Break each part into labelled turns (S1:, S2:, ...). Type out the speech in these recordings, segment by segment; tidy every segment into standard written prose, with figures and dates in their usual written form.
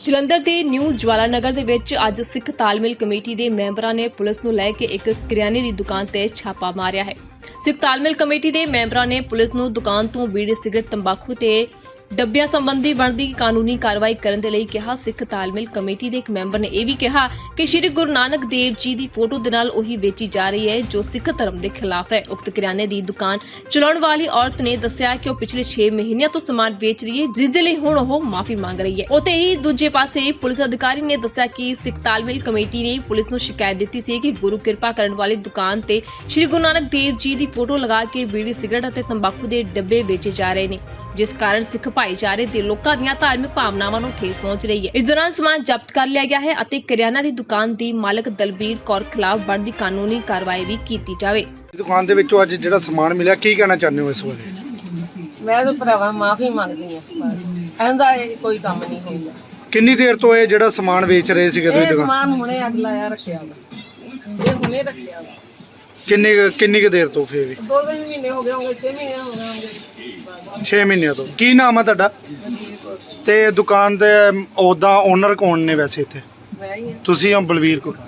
S1: ਜਲੰਧਰ ਦੇ ਨਿਊ ਜਵਾਲਾ ਨਗਰ ਦੇ ਵਿੱਚ ਅੱਜ ਸਿੱਖ ਤਾਲਮੇਲ ਕਮੇਟੀ ਦੇ ਮੈਂਬਰਾਂ ਨੇ ਪੁਲਿਸ ਨੂੰ ਲੈ ਕੇ ਇੱਕ ਕਰਿਆਨੇ ਦੀ ਦੁਕਾਨ ਤੇ ਛਾਪਾ ਮਾਰਿਆ ਹੈ। ਸਿੱਖ ਤਾਲਮੇਲ ਕਮੇਟੀ ਦੇ ਮੈਂਬਰਾਂ ਨੇ ਪੁਲਿਸ ਨੂੰ ਦੁਕਾਨ ਤੋਂ ਬੀੜੀ, ਸਿਗਰਟ, ਤੰਬਾਕੂ ਤੇ ਡੱਬਿਆਂ ਸੰਬੰਧੀ ਬਣਦੀ ਕਾਨੂੰਨੀ ਕਾਰਵਾਈ ਕਰਨ ਦੇ ਲਈ ਕਿਹਾ। ਸਿੱਖ ਤਾਲਮੇਲ ਕਮੇਟੀ ਦੇ ਇੱਕ ਮੈਂਬਰ ਨੇ ਇਹ ਵੀ ਕਿਹਾ ਕਿ ਸ਼੍ਰੀ ਗੁਰੂ ਨਾਨਕ ਦੇਵ ਜੀ ਦੀ ਫੋਟੋ ਦੇ ਨਾਲ ਉਹੀ ਵੇਚੀ ਜਾ ਰਹੀ ਹੈ ਜੋ ਸਿੱਖ ਧਰਮ ਦੇ ਖਿਲਾਫ ਹੈ। ਉਕਤ ਕਰਿਆਨੇ ਦੀ ਦੁਕਾਨ ਚਲਾਉਣ ਵਾਲੀ ਔਰਤ ਨੇ ਦੱਸਿਆ ਕਿ ਉਹ ਪਿਛਲੇ 6 ਮਹੀਨਿਆਂ ਤੋਂ ਸਮਾਨ ਵੇਚ ਰਹੀ ਹੈ, ਜਿਸ ਦੇ ਲਈ ਹੁਣ ਉਹ ਮਾਫੀ ਮੰਗ ਰਹੀ ਹੈ। ਉੱਥੇ ਹੀ ਦੂਜੇ ਪਾਸੇ ਪੁਲਿਸ ਅਧਿਕਾਰੀ ਨੇ ਦੱਸਿਆ ਕਿ ਸਿੱਖ ਤਾਲਮੇਲ ਕਮੇਟੀ ਨੇ ਪੁਲਿਸ ਨੂੰ ਸ਼ਿਕਾਇਤ ਦਿੱਤੀ ਸੀ ਕਿ ਗੁਰੂ ਕਿਰਪਾ ਕਰਨ ਵਾਲੀ ਦੁਕਾਨ ਤੇ ਸ਼੍ਰੀ ਗੁਰੂ ਨਾਨਕ ਦੇਵ ਜੀ ਦੀ ਫੋਟੋ ਲਗਾ ਕੇ ਬੀੜੀ, ਸਿਗਰਟ ਅਤੇ ਤੰਬਾਕੂ ਦੇ ਡੱਬੇ ਵੇਚੇ ਜਾ ਰਹੇ ਨੇ, ਜਿਸ ਕਾਰਨ ਸਿੱਖ ਭਾਈਚਾਰੇ ਦੇ ਲੋਕਾਂ ਦੀਆਂ ਧਾਰਮਿਕ ਭਾਵਨਾਵਾਂ ਨੂੰ ਠੇਸ ਪਹੁੰਚ ਰਹੀ ਹੈ। ਇਸ ਦੌਰਾਨ ਸਮਾਨ ਜ਼ਬਤ ਕਰ ਲਿਆ ਗਿਆ ਹੈ ਅਤੇ ਕਰਿਆਨਾ ਦੀ ਦੁਕਾਨ ਦੀ ਮਾਲਕ ਦਲਬੀਰ ਕੌਰ ਖਿਲਾਫ ਬਣਦੀ ਕਾਨੂੰਨੀ ਕਾਰਵਾਈ ਵੀ ਕੀਤੀ ਜਾਵੇ।
S2: ਦੁਕਾਨ ਦੇ ਵਿੱਚੋਂ ਅੱਜ ਜਿਹੜਾ ਸਮਾਨ ਮਿਲਿਆ, ਕੀ ਕਹਿਣਾ ਚਾਹੁੰਦੇ ਹੋ ਇਸ ਬਾਰੇ?
S3: ਮੈਂ ਤਾਂ ਭਰਾਵਾ ਮਾਫੀ ਮੰਗਦੀ ਹਾਂ, ਬਸ ਇਹਦਾ ਕੋਈ ਕੰਮ ਨਹੀਂ ਹੋਇਆ।
S2: ਕਿੰਨੀ ਦੇਰ ਤੋਂ ਇਹ ਜਿਹੜਾ ਸਮਾਨ ਵੇਚ ਰਹੇ ਸੀਗੇ ਤੁਸੀਂ
S3: ਇਹ
S2: ਦੁਕਾਨ?
S3: ਸਮਾਨ ਹੁਣੇ ਅੱਗ ਲਾਇਆ ਰੱਖਿਆ ਵਾ, ਇਹ ਹੁਣੇ ਰੱਖਿਆ ਵਾ।
S2: ਕਿੰਨੀ ਕੁ ਦੇਰ ਤੋਂ ਫੇਰ ਵੀ?
S3: 2 ਮਹੀਨੇ ਹੋ ਗਏ ਹੋਣਗੇ, 6 ਮਹੀਨੇ ਹੋ ਗਏ ਹੋਣਗੇ।
S2: 6 ਮਹੀਨਿਆਂ ਤੋਂ। ਕੀ ਨਾਮ ਹੈ ਤੁਹਾਡਾ? ਤੇ ਦੁਕਾਨ ਦੇ ਉਹਦਾ ਓਨਰ ਕੌਣ ਨੇ ਵੈਸੇ ਇੱਥੇ?
S3: ਮੈਂ ਹੀ ਹਾਂ।
S2: ਤੁਸੀਂ ਹੋ ਬਲਵੀਰ ਕੌਰ?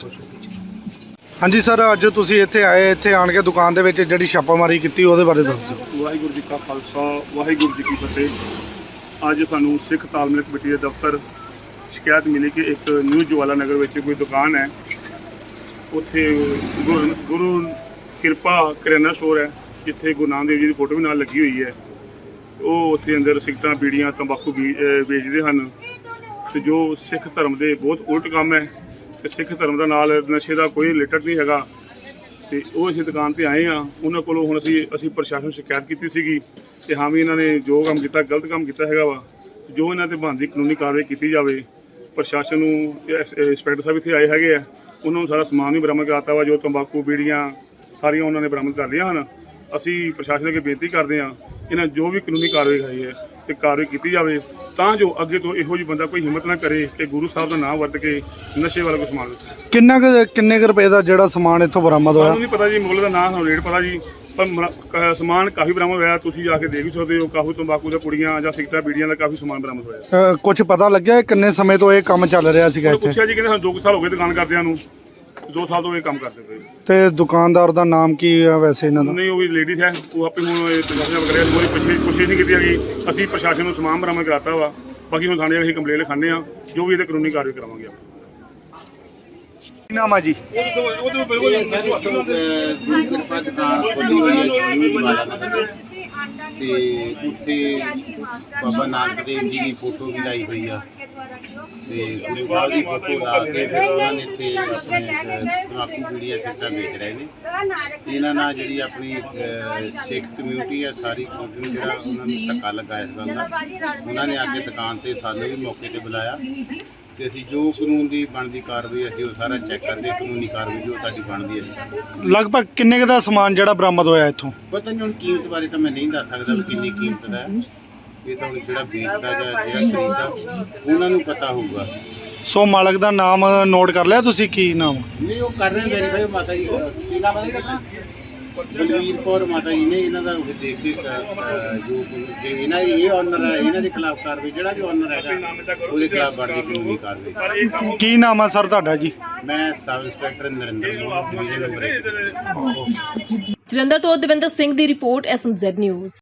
S2: ਹਾਂਜੀ ਸਰ, ਅੱਜ ਤੁਸੀਂ ਇੱਥੇ ਆਏ, ਇੱਥੇ ਆਣ ਕੇ ਦੁਕਾਨ ਦੇ ਵਿੱਚ ਜਿਹੜੀ ਛਾਪਾਮਾਰੀ ਕੀਤੀ ਉਹਦੇ ਬਾਰੇ ਦੱਸ ਦਿਓ।
S4: ਵਾਹਿਗੁਰੂ ਜੀ ਕਾ ਖਾਲਸਾ, ਵਾਹਿਗੁਰੂ ਜੀ ਕੀ ਫਤਿਹ। ਅੱਜ ਸਾਨੂੰ ਸਿੱਖ ਤਾਲਮੇਲ ਕਮੇਟੀ ਦੇ ਦਫ਼ਤਰ ਸ਼ਿਕਾਇਤ ਮਿਲੀ ਕਿ ਇੱਕ ਨਿਊ ਜਵਾਲਾ ਨਗਰ ਵਿੱਚ ਕੋਈ ਦੁਕਾਨ ਹੈ, ਉੱਥੇ ਗੁਰੂ ਕਿਰਪਾ ਕਰਿਆਨਾ ਸਟੋਰ ਹੈ, ਜਿੱਥੇ ਗੁਰੂ ਨਾਨਕ ਦੇਵ ਜੀ ਦੀ ਫੋਟੋ ਵੀ ਨਾਲ ਲੱਗੀ ਹੋਈ ਹੈ। ਉਹ ਉੱਥੇ ਅੰਦਰ ਸਿਗਰਟਾਂ, ਬੀੜੀਆਂ, ਤੰਬਾਕੂ ਵੇਚਦੇ ਹਨ ਤੇ ਜੋ ਸਿੱਖ ਧਰਮ ਦੇ ਬਹੁਤ ਉਲਟ ਕੰਮ ਹੈ ਤੇ ਸਿੱਖ ਧਰਮ ਦਾ ਨਾਲ ਨਸ਼ੇ ਦਾ ਕੋਈ ਰਿਲੇਟਡ ਨਹੀਂ ਹੈਗਾ। ਤੇ ਉਹ ਅਸੀਂ ਦੁਕਾਨ ਤੇ ਆਏ ਹਾਂ, ਉਹਨਾਂ ਕੋਲੋਂ ਹੁਣ ਅਸੀਂ ਪ੍ਰਸ਼ਾਸਨ ਨੂੰ ਸ਼ਿਕਾਇਤ ਕੀਤੀ ਸੀਗੀ ਤੇ ਹਾਂ ਵੀ ਇਹਨਾਂ ਨੇ ਜੋ ਕੰਮ ਕੀਤਾ ਗਲਤ ਕੰਮ ਕੀਤਾ ਹੈਗਾ ਵਾ, ਜੋ ਇਹਨਾਂ ਤੇ ਬਣਦੀ ਕਾਨੂੰਨੀ ਕਾਰਵਾਈ ਕੀਤੀ ਜਾਵੇ। ਪ੍ਰਸ਼ਾਸਨ ਨੂੰ ਇੰਸਪੈਕਟਰ ਸਾਹਿਬ ਇੱਥੇ ਆਏ ਹੈਗੇ ਆ, ਉਹਨਾਂ ਨੂੰ ਸਾਰਾ ਸਮਾਨ ਵੀ ਬਰਾਮਦ ਕਰਾਤਾ ਵਾ, ਜੋ ਤੰਬਾਕੂ, ਬੀੜੀਆਂ ਸਾਰੀਆਂ ਉਹਨਾਂ ਨੇ ਬਰਾਮਦ ਕਰ ਲਈਆਂ ਹਨ। ਅਸੀਂ ਪ੍ਰਸ਼ਾਸਨ ਅੱਗੇ ਬੇਨਤੀ ਕਰਦੇ ਹਾਂ ਇਹਨਾਂ ਜੋ ਵੀ ਕਾਨੂੰਨੀ ਕਾਰਵਾਈ ਹੋਈ ਹੈ ਤੇ ਕਾਰਵਾਈ ਕੀਤੀ ਜਾਵੇ, ਤਾਂ ਜੋ ਅੱਗੇ ਤੋਂ ਇਹੋ ਜਿਹੀ ਬੰਦਾ ਕੋਈ ਹਿੰਮਤ ਨਾ ਕਰੇ ਕਿ ਗੁਰੂ ਸਾਹਿਬ ਦਾ ਨਾਮ ਵਰਤ ਕੇ ਨਸ਼ੇ ਵਾਲਾ ਕੋਈ ਸਮਾਨ ਵੇਚੇ।
S2: ਕਿੰਨੇ ਕੁ ਰੁਪਏ ਦਾ ਜਿਹੜਾ ਸਮਾਨ ਇੱਥੋਂ ਬਰਾਮਦ ਹੋਇਆ?
S4: ਸਾਨੂੰ ਨਹੀਂ ਪਤਾ ਜੀ, ਮੁੱਲ ਦਾ ਨਾਮ ਸਾਨੂੰ ਰੇਟ ਪਤਾ ਜੀ, ਪਰ ਸਮਾਨ ਕਾਫੀ ਬਰਾਮਦ ਹੋਇਆ। ਤੁਸੀਂ ਜਾ ਕੇ ਦੇਖ ਵੀ ਸਕਦੇ ਹੋ, ਕਾਫੀ ਤੰਬਾਕੂ ਦੀਆਂ ਪੁੜੀਆਂ ਜਾਂ ਸਿਗਰਟਾਂ, ਬੀੜੀਆਂ ਦਾ ਕਾਫੀ ਸਮਾਨ ਬਰਾਮਦ ਹੋਇਆ।
S2: ਕੁਝ ਪਤਾ ਲੱਗਿਆ ਕਿੰਨੇ ਸਮੇਂ ਤੋਂ ਇਹ ਕੰਮ ਚੱਲ ਰਿਹਾ ਸੀਗਾ ਇੱਥੇ?
S4: ਪੁੱਛਿਆ ਜੀ, ਕਹਿੰਦੇ ਸਾਨੂੰ 2 ਸਾਲ ਹੋ ਗਏ ਦੁਕਾਨ ਕਰਦਿਆਂ ਨੂੰ, 2 ਸਾਲ ਤੋਂ ਇਹ ਕੰਮ ਕਰਦੇ ਪਏ।
S2: ਤੇ ਦੁਕਾਨਦਾਰ ਦਾ ਨਾਮ ਕੀ ਹੈ ਵੈਸੇ ਇਹਨਾਂ ਦਾ?
S4: ਨਹੀਂ, ਉਹ ਵੀ ਲੇਡੀਜ਼ ਹੈ, ਉਹ ਆਪੇ ਹੁਣ ਪ੍ਰਸ਼ਾਸਨ ਵਗੈਰਾ ਕੋਈ ਕੋਸ਼ਿਸ਼ ਨਹੀਂ ਕੀਤੀ ਹੈਗੀ। ਅਸੀਂ ਪ੍ਰਸ਼ਾਸਨ ਨੂੰ ਸਮਾਨ ਬਰਾਮਦ ਕਰਾਤਾ ਵਾ, ਬਾਕੀ ਹੁਣ ਥਾਣੇ ਅਸੀਂ ਕੰਪਲੇਂਟ ਲਿਖਾਉਂਦੇ ਹਾਂ, ਜੋ ਵੀ ਇਹਦੇ ਕਾਨੂੰਨੀ ਕਾਰਵਾਈ ਕਰਾਵਾਂਗੇ।
S2: ਕੀ ਨਾਮ ਆ ਜੀ?
S5: ਗੁਰੂ ਕਿਰਪਾ ਦੁਕਾਨ ਖੋਲ੍ਹੀ ਹੋਈ ਹੈ ਨਿਊ ਜਵਾਲਾ ਨਗਰ ਤੇ ਉੱਥੇ ਬਾਬਾ ਨਾਨਕ ਦੇਵ ਜੀ ਦੀ ਫੋਟੋ ਵੀ ਲਾਈ ਹੋਈ ਆ ਤੇ ਗੁਰੂ ਸਾਹਿਬ ਦੀ ਫੋਟੋ ਲਾ ਕੇ ਫਿਰ ਉਹਨਾਂ ਨੇ ਇੱਥੇ ਆਪਣੇ ਤੰਬਾਕੂ, ਬੀੜੀਆਂ, ਸਿਗਰਟਾਂ ਵੇਚ ਰਹੇ ਨੇ। ਇਹਨਾਂ ਨਾਲ ਜਿਹੜੀ ਆਪਣੀ ਸਿੱਖ ਕਮਿਊਨਿਟੀ ਆ, ਸਾਰੀ ਕਮਿਊਨਿਟੀ ਨੂੰ ਜਿਹੜਾ ਉਹਨਾਂ ਨੂੰ ਧੱਕਾ ਲੱਗਾ ਇਸ ਗੱਲ ਦਾ। ਉਹਨਾਂ ਨੇ ਆ ਕੇ ਦੁਕਾਨ ਤੇ ਸਾਨੂੰ ਵੀ ਮੌਕੇ ਤੇ ਬੁਲਾਇਆ ਤੇ ਅਸੀਂ ਜੋ ਕਾਨੂੰਨ ਦੀ ਬਣਦੀ ਕਾਰਵਾਈ ਅਸੀਂ ਉਹ ਸਾਰਾ ਚੈੱਕ ਕਰਦੇ, ਕਾਨੂੰਨੀ ਕਾਰਵਾਈ ਜੋ ਸਾਡੀ ਬਣਦੀ ਹੈ।
S2: ਲਗਭਗ ਕਿੰਨੇ ਕੁ ਦਾ ਸਮਾਨ ਜਿਹੜਾ ਬਰਾਮਦ ਹੋਇਆ ਇੱਥੋਂ?
S5: ਪਤਾ ਨਹੀਂ, ਹੁਣ ਕੀਮਤ ਬਾਰੇ ਤਾਂ ਮੈਂ ਨਹੀਂ ਦੱਸ ਸਕਦਾ ਵੀ ਕਿੰਨੀ ਕੀਮਤ ਦਾ ਹੈ। ਇਹ ਤਾਂ ਹੁਣ ਜਿਹੜਾ ਵੇਚਦਾ ਜਾਂ ਜਿਹੜਾ ਖਰੀਦਦਾ ਉਹਨਾਂ ਨੂੰ ਪਤਾ ਹੋਊਗਾ।
S2: ਸੋ ਮਾਲਕ ਦਾ ਨਾਮ ਨੋਟ ਕਰ ਲਿਆ ਤੁਸੀਂ? ਕੀ ਨਾਮ?
S5: ਨਹੀਂ, ਉਹ ਕਰ ਰਹੇ ਵੈਰੀਫਾਈ। ਮਾਤਾ ਜੀ ਕੀ ਨਾਮ ਹੈ? ਬਲਵੀਰ ਕੌਰ ਮਾਤਾ ਜੀ ਨੇ। ਇਹਨਾਂ ਦਾ ਦੇਖ ਕੇ ਜੋ ਜੇ ਇਹਨਾਂ ਦੀ ਇਹ ਓਨਰ ਹੈ, ਇਹਨਾਂ ਦੇ ਖਿਲਾਫ ਕਾਰਵਾਈ, ਜਿਹੜਾ ਵੀ ਓਨਰ ਹੈਗਾ ਉਹਦੇ ਖਿਲਾਫ ਬਣਦੀ ਕਾਨੂੰਨੀ ਕਾਰਵਾਈ।
S2: ਕੀ ਨਾਮ ਆ ਸਰ ਤੁਹਾਡਾ ਜੀ?
S5: ਮੈਂ sub inspector Narinder Mohan, division number 1।
S1: Jalandhar ਤੋਂ ਦਵਿੰਦਰ ਸਿੰਘ ਦੀ ਰਿਪੋਰਟ, SMZ ਨਿਊਜ਼।